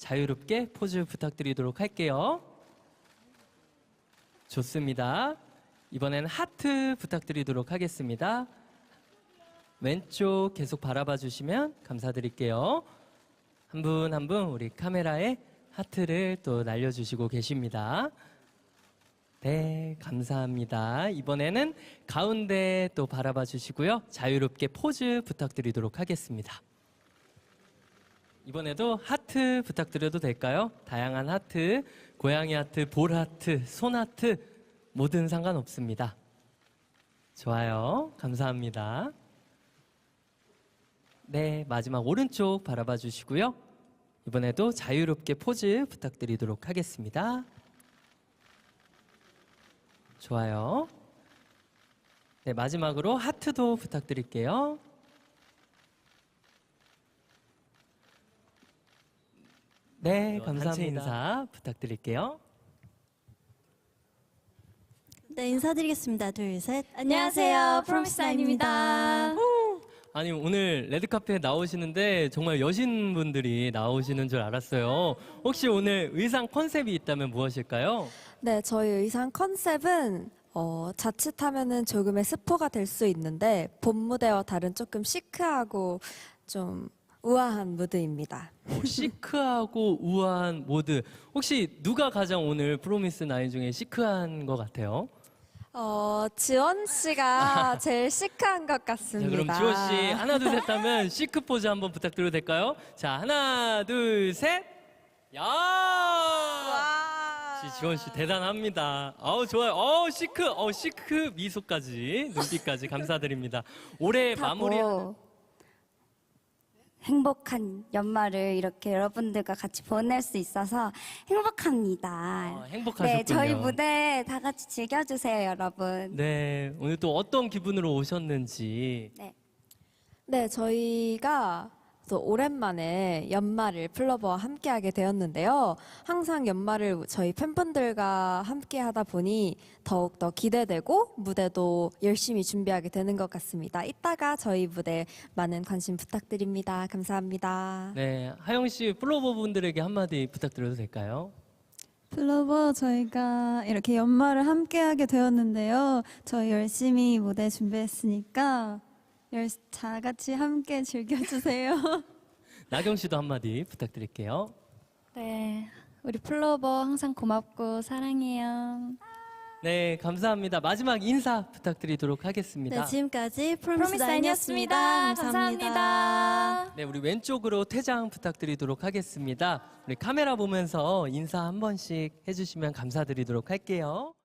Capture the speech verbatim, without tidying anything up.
자유롭게 포즈 부탁드리도록 할게요. 좋습니다. 이번엔 하트 부탁드리도록 하겠습니다. 왼쪽 계속 바라봐 주시면 감사드릴게요. 한 분 한 분 우리 카메라에 하트를 또 날려주시고 계십니다. 네, 감사합니다. 이번에는 가운데 또 바라봐 주시고요. 자유롭게 포즈 부탁드리도록 하겠습니다. 이번에도 하트 부탁드려도 될까요? 다양한 하트, 고양이 하트, 볼 하트, 손 하트 뭐든 상관없습니다. 좋아요. 감사합니다. 네, 마지막 오른쪽 바라봐 주시고요. 이번에도 자유롭게 포즈 부탁드리도록 하겠습니다. 좋아요. 네, 마지막으로 하트도 부탁드릴게요. 네, 감사합니다. 인사 부탁드릴게요. 네, 인사드리겠습니다. 둘, 셋. 안녕하세요, 프로미스나인입니다. 아니, 오늘 레드카페에 나오시는데 정말 여신분들이 나오시는 줄 알았어요. 혹시 오늘 의상 컨셉이 있다면 무엇일까요? 네, 저희 의상 컨셉은 어, 자칫하면은 조금의 스포가 될 수 있는데 본 무대와 다른 조금 시크하고 좀 우아한 무드입니다. 오, 시크하고 우아한 모드. 혹시 누가 가장 오늘 프로미스 나인 중에 시크한 것 같아요? 어, 지원 씨가 제일 시크한 것 자, 같습니다. 그럼 지원 씨 하나 둘 셋 하면 시크 포즈 한번 부탁드려도 될까요? 자, 하나 둘 셋. 야! 역시 지원 씨 대단합니다. 아우 좋아요. 어 시크, 어 시크 미소까지 눈빛까지 감사드립니다. 올해 마무리. 행복한 연말을 이렇게 여러분들과 같이 보낼 수 있어서 행복합니다. 아, 행복하셨군요. 네, 저희 무대 다 같이 즐겨주세요, 여러분. 네, 오늘 또 어떤 기분으로 오셨는지. 네. 네, 저희가 또 오랜만에 연말을 플로버와 함께하게 되었는데요. 항상 연말을 저희 팬분들과 함께하다 보니 더욱더 기대되고 무대도 열심히 준비하게 되는 것 같습니다. 이따가 저희 무대 많은 관심 부탁드립니다. 감사합니다. 네, 하영 씨 플로버 분들에게 한마디 부탁드려도 될까요? 플로버 저희가 이렇게 연말을 함께하게 되었는데요. 저희 열심히 무대 준비했으니까 열, 다 같이 함께 즐겨주세요. 나경 씨도 한마디 부탁드릴게요. 네, 우리 플로버 항상 고맙고 사랑해요. 네, 감사합니다. 마지막 인사 부탁드리도록 하겠습니다. 네, 지금까지 프로미스나인이었습니다. 프로미스나인이었습니다. 감사합니다. 감사합니다. 네, 우리 왼쪽으로 퇴장 부탁드리도록 하겠습니다. 우리 카메라 보면서 인사 한 번씩 해주시면 감사드리도록 할게요.